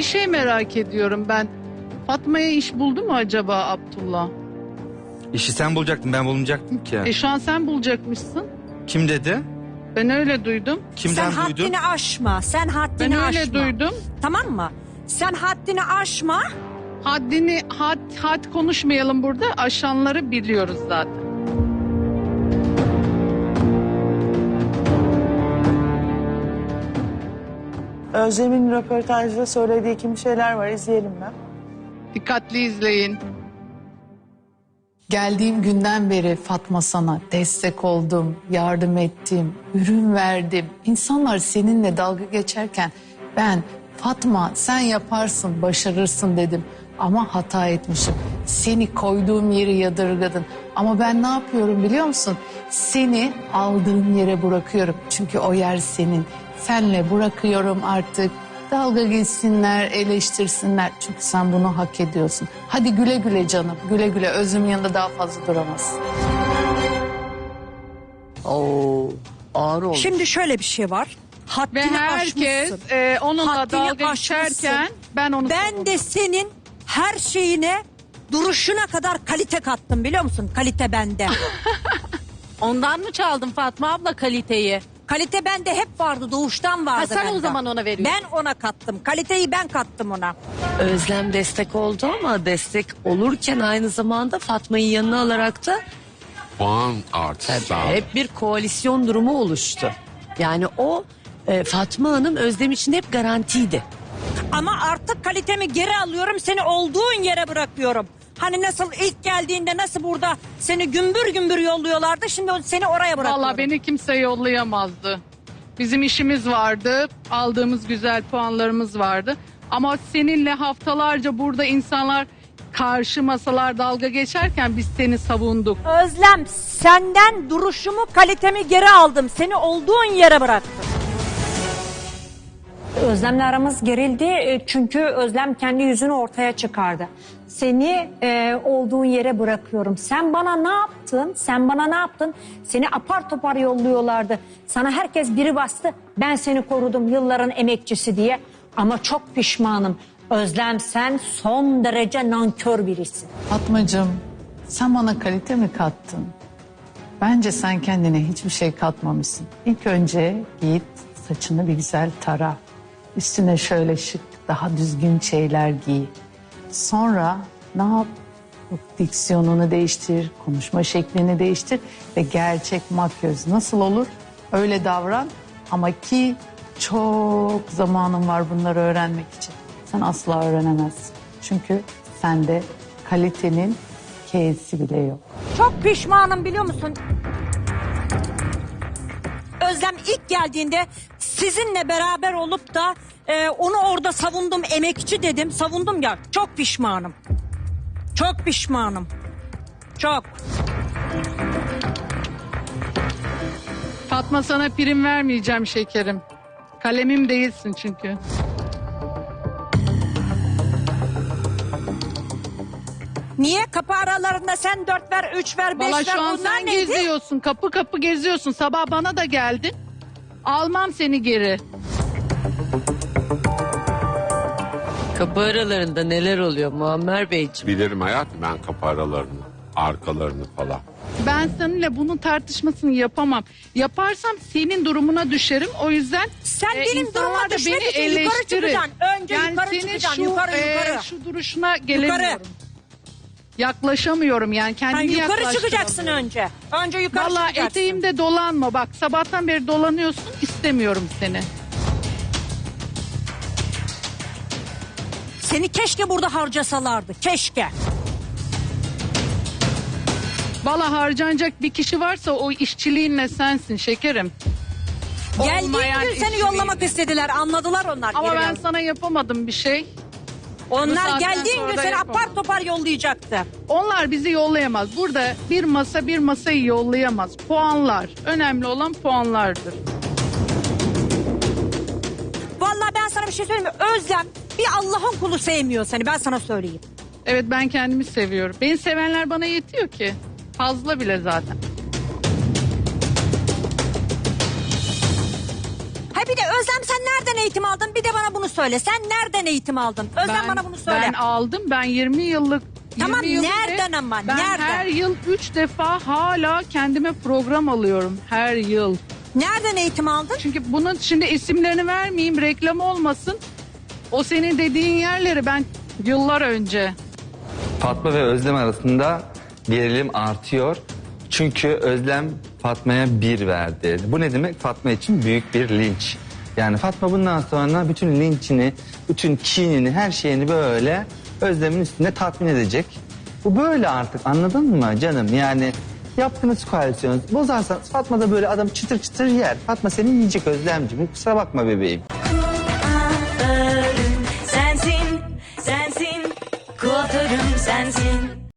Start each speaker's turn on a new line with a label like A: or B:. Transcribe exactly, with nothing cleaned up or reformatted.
A: şey merak ediyorum ben. Fatma'ya iş buldu mu acaba Abdullah?
B: İşi sen bulacaktın, ben bulmayacaktım ki.
A: E şu an sen bulacakmışsın.
B: Kim dedi?
A: Ben öyle duydum.
B: Kimden
C: Sen
B: duydun?
C: haddini aşma. Sen haddini
A: Ben öyle
C: aşma.
A: duydum.
C: Tamam mı? Sen haddini aşma.
A: Haddini, had, had konuşmayalım burada. Aşanları biliyoruz zaten.
D: Özlem'in röportajda söylediği kimi şeyler var, izleyelim mi?
A: Dikkatli izleyin.
E: Geldiğim günden beri Fatma sana destek oldum, yardım ettim, ürün verdim. İnsanlar seninle dalga geçerken ben Fatma sen yaparsın, başarırsın dedim. Ama hata etmişim. Seni koyduğum yeri yadırgadın. Ama ben ne yapıyorum biliyor musun? Seni aldığım yere bırakıyorum. Çünkü o yer senin. Senle bırakıyorum artık. Dalga geçsinler, eleştirsinler. Çünkü sen bunu hak ediyorsun. Hadi güle güle canım. Güle güle. Özüm yanında daha fazla duramazsın.
F: Oo, ağır oldu.
C: Şimdi şöyle bir şey var. Haddini
A: Ve herkes
C: aşmışsın.
A: e, onunla
C: Haddini
A: dalga
C: aşmışsın.
A: geçerken ben onu
C: Ben de senin her şeyine, duruşuna kadar kalite kattım biliyor musun? Kalite bende.
G: Ondan mı çaldın Fatma abla kaliteyi?
C: Kalite bende hep vardı, doğuştan vardı
G: Ha, sen
C: bende.
G: o zaman ona veriyorsun.
C: Ben ona kattım. Kaliteyi ben kattım ona.
F: Özlem destek oldu ama destek olurken aynı zamanda Fatma'yı yanına alarak da
H: Puan artışı sağladı.
F: hep bir koalisyon durumu oluştu. Yani o e, Fatma Hanım Özlem için hep garantiydi.
C: Ama artık kalitemi geri alıyorum. Seni olduğun yere bırakıyorum. Hani nasıl ilk geldiğinde nasıl burada seni gümbür gümbür yolluyorlardı. Şimdi seni oraya bırakıyorum.
A: Valla beni kimse yollayamazdı. Bizim işimiz vardı. Aldığımız güzel puanlarımız vardı. Ama seninle haftalarca burada insanlar karşı masalar dalga geçerken biz seni savunduk.
C: Özlem, senden duruşumu, kalitemi geri aldım. Seni olduğun yere bıraktım.
I: Özlem'le aramız gerildi e, çünkü Özlem kendi yüzünü ortaya çıkardı. Seni e, olduğun yere bırakıyorum. Sen bana ne yaptın? Sen bana ne yaptın? Seni apar topar yolluyorlardı. Sana herkes biri bastı. Ben seni korudum yılların emekçisi diye. Ama çok pişmanım. Özlem sen son derece nankör birisin.
E: Fatmacığım, sen bana kalite mi kattın? Bence sen kendine hiçbir şey katmamışsın. İlk önce git saçını bir güzel tara. Üstüne şöyle şık, daha düzgün şeyler giy. Sonra ne yap? Diksiyonunu değiştir, konuşma şeklini değiştir ve gerçek makyöz nasıl olur? Öyle davran ama ki çok zamanın var bunları öğrenmek için. Sen asla öğrenemezsin. Çünkü sende kalitenin K'si bile yok.
C: Çok pişmanım biliyor musun? Özlem ilk geldiğinde sizinle beraber olup da e, onu orada savundum, emekçi dedim. Savundum ya, çok pişmanım. Çok pişmanım. Çok.
A: Fatma sana prim vermeyeceğim şekerim. Kalemim değilsin çünkü.
C: Niye? Kapı aralarında sen dört ver, üç ver, beş
A: Valla
C: ver.
A: şu an
C: Bunlar
A: sen
C: neydi?
A: geziyorsun. Kapı kapı geziyorsun. Sabah bana da geldin. Almam seni geri.
F: Kapı aralarında neler oluyor Muammer Beyciğim?
H: Bilirim hayatım ben kapı aralarını, arkalarını falan.
A: Ben seninle bunun tartışmasını yapamam. Yaparsam senin durumuna düşerim. O yüzden
C: Sen
A: e,
C: benim
A: insanlar
C: duruma
A: da
C: düşmek
A: beni
C: için yukarı
A: eleştirir.
C: çıkacaksın. Önce
A: yani
C: yukarı
A: senin
C: çıkacaksın,
A: şu,
C: yukarı,
A: e,
C: yukarı.
A: şu duruşuna gelemiyorum.
C: Yukarı.
A: Yaklaşamıyorum yani
C: Ha,
A: kendimi
C: yukarı
A: yaklaştıramıyorum.
C: çıkacaksın önce. Önce yukarı
A: Valla
C: çıkacaksın.
A: eteğimde dolanma. Bak sabahtan beri dolanıyorsun. İstemiyorum seni.
C: Seni keşke burada harcasalardı. Keşke.
A: Valla harcanacak bir kişi varsa o işçiliğinle sensin şekerim.
C: Geldiğin
A: Olmayan
C: gün seni
A: işçiliğinle.
C: yollamak istediler. Anladılar onlar.
A: Ama
C: geri
A: ben
C: geldi.
A: sana yapamadım bir şey. Bu
C: Onlar
A: saatten
C: geldiğin
A: sonra
C: gün
A: da
C: seni
A: yapamam.
C: apar topar yollayacaktı.
A: Onlar bizi yollayamaz. Burada bir masa bir masayı yollayamaz. Puanlar. Önemli olan puanlardır.
C: Vallahi ben sana bir şey söyleyeyim mi? Özlem bir Allah'ın kulu sevmiyor seni. Ben sana söyleyeyim.
A: Evet ben kendimi seviyorum. Beni sevenler bana yetiyor ki. Fazla bile zaten.
C: Ha bir de Özlem sen nereden eğitim aldın? Bir de bana bunu söyle. Sen nereden eğitim aldın? Özlem
A: Ben-
C: bana bunu söyle.
A: Ben aldım. Ben yirmi yıllık
C: Tamam,
A: yirmi yıllık
C: nereden
A: ve
C: ama,
A: Ben
C: nereden?
A: her yıl üç defa hala kendime program alıyorum. Her yıl.
C: Nereden eğitim aldın?
A: Çünkü bunun şimdi isimlerini vermeyeyim, reklam olmasın. O senin dediğin yerleri ben yıllar önce.
B: Fatma ve Özlem arasında gerilim artıyor. Çünkü Özlem Fatma'ya bir verdi. Bu ne demek? Fatma için büyük bir linç. Yani Fatma bundan sonra bütün linçini, bütün kinini, her şeyini böyle Özlem'in üstünde tatmin edecek. Bu böyle artık, anladın mı canım? Yani yaptığınız koalisyon bozarsanız Fatma da böyle adam çıtır çıtır yer. Fatma seni yiyecek Özlemciğim. Kusura bakma bebeğim.